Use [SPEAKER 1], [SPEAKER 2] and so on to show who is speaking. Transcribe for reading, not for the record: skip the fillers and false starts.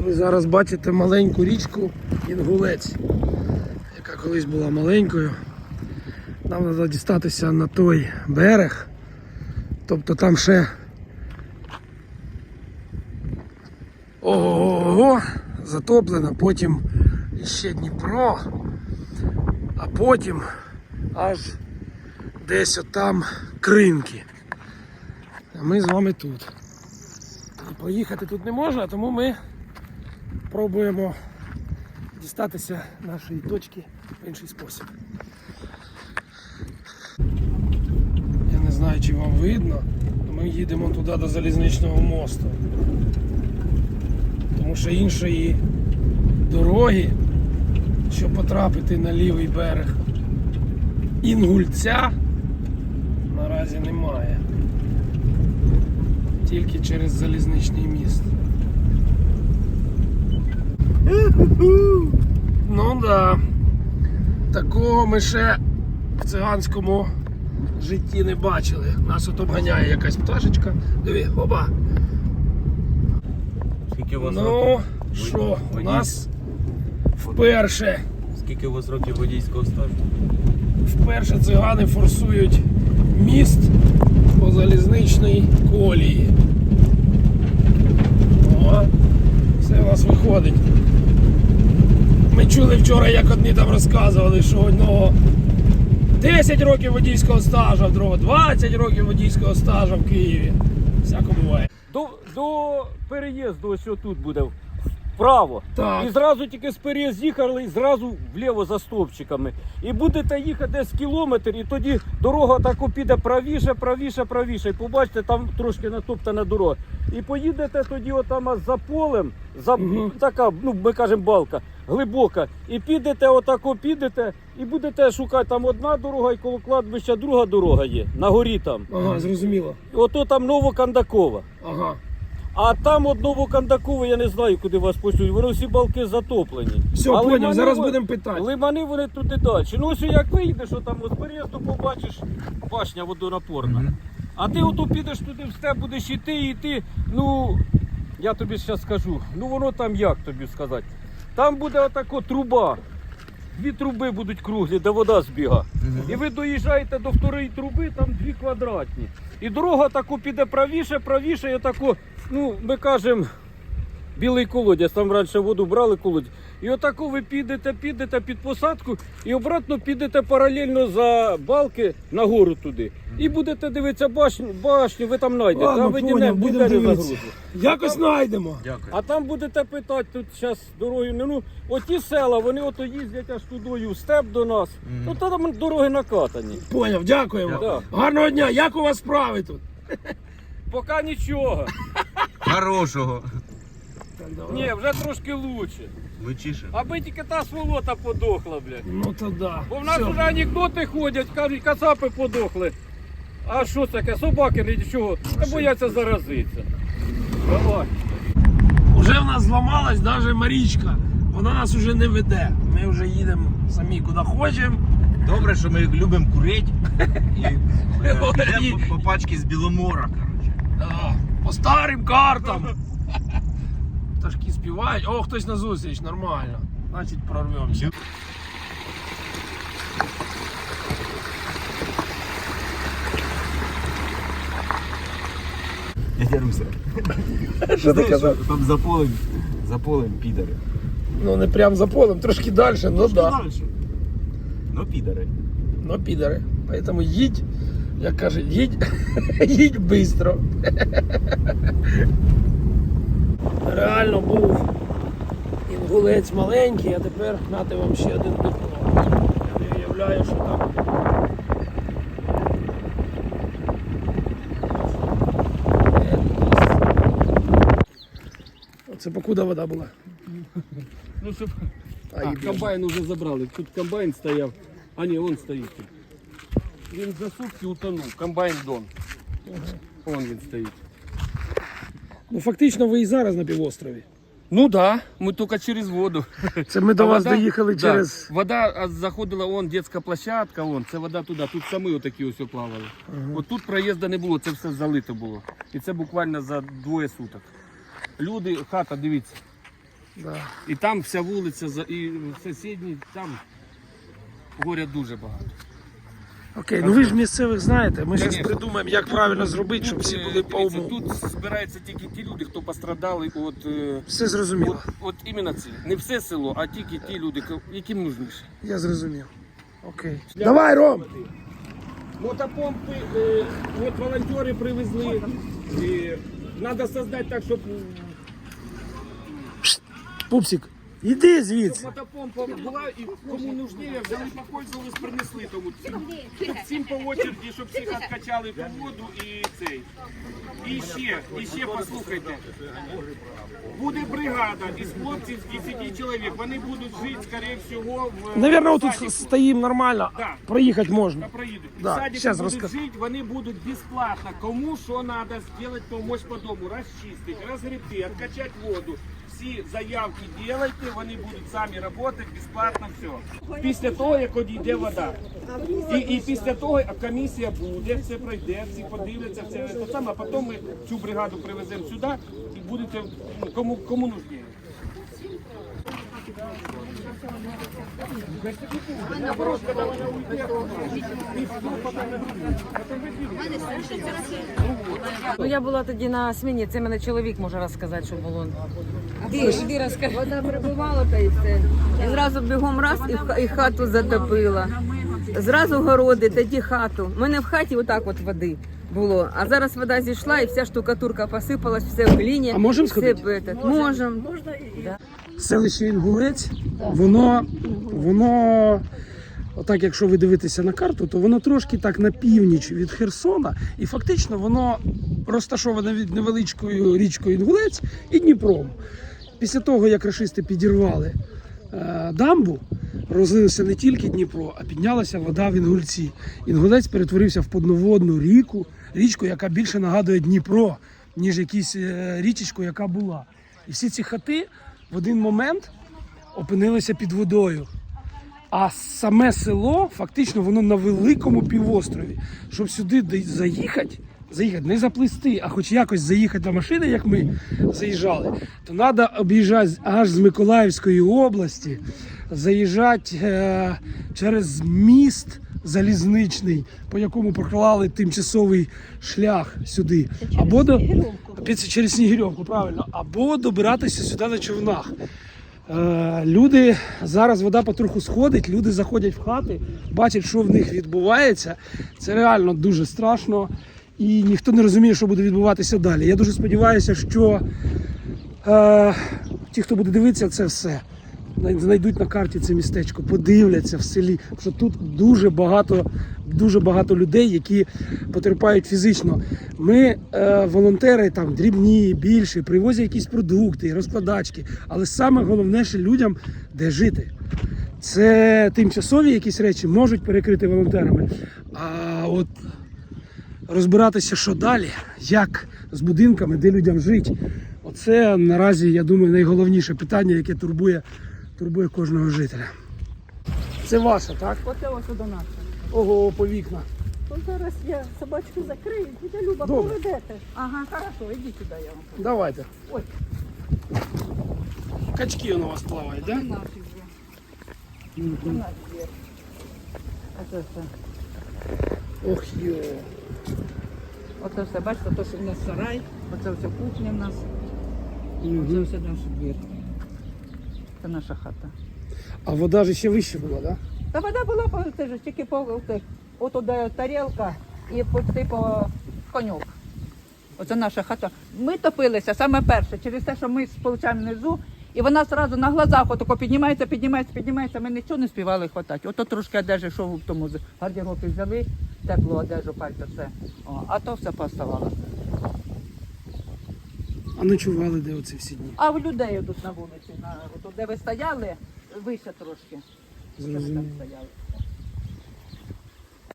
[SPEAKER 1] Ви зараз бачите маленьку річку Інгулець, яка колись була маленькою. Нам треба дістатися на той берег, тобто там ще ого-го затоплено, потім ще Дніпро, а потім аж десь отам Кринки. А ми з вами тут. І поїхати тут не можна, тому ми пробуємо дістатися нашої точки в інший спосіб. Я не знаю, чи вам видно, ми їдемо туди до залізничного мосту. Тому що іншої дороги, щоб потрапити на лівий берег Інгульця, наразі немає. Тільки через залізничний міст. Ну да, такого ми ще в циганському житті не бачили. Нас от обганяє якась пташечка. Диви, оба.
[SPEAKER 2] Скільки у вас
[SPEAKER 1] Ну, що, у нас вперше.
[SPEAKER 2] Скільки у вас років водійського стажу?
[SPEAKER 1] Вперше цигани форсують міст по залізничній колії. О, все у нас виходить. Ми чули вчора, як одні там розказували, що одного 10 років водійського стажу, а другого 20 років водійського стажу в Києві. Всяко буває.
[SPEAKER 3] До переїзду ось тут буде вправо.
[SPEAKER 1] Так.
[SPEAKER 3] І зразу тільки з переїзду їхали, і зразу вліво за стовпчиками. І будете їхати десь кілометр, і тоді дорога тако піде правіше, правіше, правіше. І побачите, там трошки натоптана дорога. І поїдете тоді отам аж за полем, така, ну ми кажемо, балка, глибока. І підете отако, підете, і будете шукати, там одна дорога, і коло кладбища друга дорога є, на горі там.
[SPEAKER 1] Ага, зрозуміло.
[SPEAKER 3] Ото там Новокандакова.
[SPEAKER 1] Ага.
[SPEAKER 3] А там от Новокандаково, я не знаю, куди вас пошлють, вони всі балки затоплені.
[SPEAKER 1] Все,
[SPEAKER 3] А
[SPEAKER 1] поняв,
[SPEAKER 3] лимани
[SPEAKER 1] зараз
[SPEAKER 3] вони-
[SPEAKER 1] будемо питати.
[SPEAKER 3] Лимани вони туди далі. Ну ось як вийдеш, що там з переїзду побачиш башня водонапорна. А ти ото підеш туди в степ, будеш йти, ну, я тобі зараз скажу, ну воно там як тобі сказати. Там буде отако труба. Дві труби будуть круглі, де вода збіга. І ви доїжджаєте до второї труби, там 2 квадратні. І дорога таку піде правіше, правіше, і отако, ну, ми кажемо, білий колодязь, там раніше воду брали колодязь. І отако ви підете під посадку і обратно підете паралельно за балки нагору туди. І будете дивитися башню, ви там знайдете.
[SPEAKER 1] Ладно,
[SPEAKER 3] Там
[SPEAKER 1] поняв, будемо дивитися. Якось знайдемо.
[SPEAKER 2] Дякую.
[SPEAKER 3] А там будете питати, тут зараз дорогою, ну, оті села, вони ото їздять аж тудою в степ до нас. Ну, то там дороги накатані.
[SPEAKER 1] Поняв, дякуємо.
[SPEAKER 3] Дякую.
[SPEAKER 1] Гарного дня, як у вас справи тут?
[SPEAKER 3] Поки нічого.
[SPEAKER 2] Хорошого.
[SPEAKER 3] Ні, вже трошки лучше.
[SPEAKER 2] Лучіше.
[SPEAKER 3] Аби тільки та сволота подохла, блядь.
[SPEAKER 1] Ну то да.
[SPEAKER 3] Бо в нас
[SPEAKER 1] Все.
[SPEAKER 3] вже анекдоти ходять, кажуть, кацапи подохли. А що таке? Собаки нічого, та бояться заразитися. Давай.
[SPEAKER 1] Уже в нас зламалась навіть Марічка. Вона нас уже не веде. Ми вже їдемо самі куди хочемо.
[SPEAKER 2] Добре, що ми любимо курити і йдемо по пачці з Біломора.
[SPEAKER 1] Да, по старим картам. Пташки співають. О, хтось на зустріч, нормально. Значить прорвемося.
[SPEAKER 2] Дядя Руся.
[SPEAKER 1] Що ти казав?
[SPEAKER 2] Там за полем підари.
[SPEAKER 1] Ну не прям за полем, трошки далі, ну да.
[SPEAKER 2] Дальше. Ну підари.
[SPEAKER 1] Ну підари. Поэтому їдь, як кажуть, їдь, їдь бистро. Реально був Інгулець маленький, а тепер нате вам ще один Дніпро. Я не уявляю, що там. Це покуда вода була.
[SPEAKER 3] Ну, щоб...
[SPEAKER 1] Ай,
[SPEAKER 3] комбайн вже забрали. Тут комбайн стояв. А ні, він стоїть тут. Він за сутки утонув. Комбайн Дон. Вон він стоїть.
[SPEAKER 1] Ну фактично ви і зараз на півострові.
[SPEAKER 3] Ну да, мы только через воду.
[SPEAKER 1] Це ми до
[SPEAKER 3] А
[SPEAKER 1] вас
[SPEAKER 3] вода-
[SPEAKER 1] доїхали
[SPEAKER 3] да,
[SPEAKER 1] через.
[SPEAKER 3] Вода заходила, вон детська площадка, вон, це вода туди, тут самі отакі ось плавали. От тут проїзду не було, це все залито було. І це буквально за 2 суток. Люди, хата, дивіться.
[SPEAKER 1] Да.
[SPEAKER 3] І там вся вулиця, і сусідні, там горя дуже багато.
[SPEAKER 1] Окей, ну ви ж місцевих знаєте, ми зараз
[SPEAKER 3] Конечно.
[SPEAKER 1] придумаємо, як правильно зробити, щоб всі були по
[SPEAKER 3] Дивіться,
[SPEAKER 1] уму.
[SPEAKER 3] тут збираються тільки ті люди, хто пострадали от,
[SPEAKER 1] Все зрозуміло.
[SPEAKER 3] от іменно ці. Не все село, а тільки ті люди, яким нужніше.
[SPEAKER 1] Я зрозумів. Окей. Давай, Ром!
[SPEAKER 3] Мотопомпи, от волонтери привезли. Треба создати так, щоб
[SPEAKER 1] Пупсик, іди звідси.
[SPEAKER 3] мотопомпа була і кому нужніше, взяли, попользувались, принесли тому. Щоб всім по очереді, щоб всіх откачали по воду і цей. І ще послухайте. Буде бригада із хлопців з 10 чоловік. Вони будуть жити, скоріше всього, в
[SPEAKER 1] Наверное,
[SPEAKER 3] садику.
[SPEAKER 1] тут стоїмо нормально,
[SPEAKER 3] Да.
[SPEAKER 1] проїхати можна.
[SPEAKER 3] Та проїдуть.
[SPEAKER 1] Да,
[SPEAKER 3] В садику
[SPEAKER 1] щас
[SPEAKER 3] будуть
[SPEAKER 1] розкажу.
[SPEAKER 3] жити, вони будуть безплатно. Кому що треба зробити, допомогти по дому, розчистити, розгребти, відкачати воду. Всі заявки робите, вони будуть самі працювати, безплатно все. Після того, як одійде вода. І після того комісія буде, все пройде, всі подивляться, все те саме, а потім ми цю бригаду привеземо сюди і будете, ну, кому нужніше.
[SPEAKER 4] Ну я була тоді на сміні, це мене чоловік може розказати, що було. Іди розкажи.
[SPEAKER 5] Вода прибувала та й все. І зразу бігом раз і хату затопила. Зразу городи, тоді хату. У мене в хаті отак от води було. А зараз вода зійшла і вся штукатурка посипалась, все в глині.
[SPEAKER 1] А можемо
[SPEAKER 5] все
[SPEAKER 1] сходити?
[SPEAKER 5] Можемо.
[SPEAKER 1] Селище Інгулець, воно, отак, якщо ви дивитеся на карту, то воно трошки так на північ від Херсона, і фактично воно розташоване від невеличкою річкою Інгулець і Дніпром. Після того, як рашисти підірвали дамбу, розлився не тільки Дніпро, а піднялася вода в Інгульці. Інгулець перетворився в подноводну річку, яка більше нагадує Дніпро, ніж якусь річечку, яка була. І всі ці хати в один момент опинилися під водою. А саме село, фактично, воно на великому півострові. Щоб сюди заїхати, не заплисти, а хоч якось заїхати на машини, як ми заїжджали, то треба об'їжджати аж з Миколаївської області, заїжджати через міст залізничний, по якому проклали тимчасовий шлях сюди. Або через Снігирьовку, правильно, або добиратися сюди на човнах. Люди, зараз вода потроху сходить, люди заходять в хати, бачать, що в них відбувається. Це реально дуже страшно і ніхто не розуміє, що буде відбуватися далі. Я дуже сподіваюся, що ті, хто буде дивитися це все, знайдуть на карті це містечко, подивляться в селі, що тут дуже багато людей, які потерпають фізично. Ми, волонтери, там дрібні, більші, привозять якісь продукти, розкладачки, але саме головне, що людям де жити. Це тимчасові якісь речі можуть перекрити волонтерами, а от розбиратися, що далі, як з будинками, де людям жити, оце наразі, я думаю, найголовніше питання, яке турбує кожного жителя. Це ваша, так?
[SPEAKER 6] Оце ось до нас.
[SPEAKER 1] Ого, по вікна.
[SPEAKER 6] То зараз я собачку закрию, тітя Люба,
[SPEAKER 1] Добре.
[SPEAKER 6] поведете. Ага, хорошо, ідіть сюди, я вам.
[SPEAKER 1] Давайте.
[SPEAKER 6] Ой.
[SPEAKER 1] Качки у вас плавають, так? Да?
[SPEAKER 6] Наші вже. У нас є. Оце все.
[SPEAKER 1] Ох, йо.
[SPEAKER 6] Оце все, бачите, то, що в нас сарай, оце все кухня в нас, оце все наш двір. Це наша хата.
[SPEAKER 1] А вода ж ще вище була, так? Да?
[SPEAKER 6] Та вода була, це ж тільки по от де тарілка і по коньок. Оце наша хата. Ми топилися саме перше, через те, що ми сполучаємо внизу, і вона одразу на глазах отако піднімається, ми нічого не співали хватати. Ото трошки одежі, що в тому гардеробі взяли, теплу одежу, пальто, все. О, а то все поставалося.
[SPEAKER 1] А ночували де оці всі дні?
[SPEAKER 6] А в людей тут на вулиці, от де ви стояли, вище трошки. Що ви там
[SPEAKER 1] Зрозуміло.
[SPEAKER 6] стояли?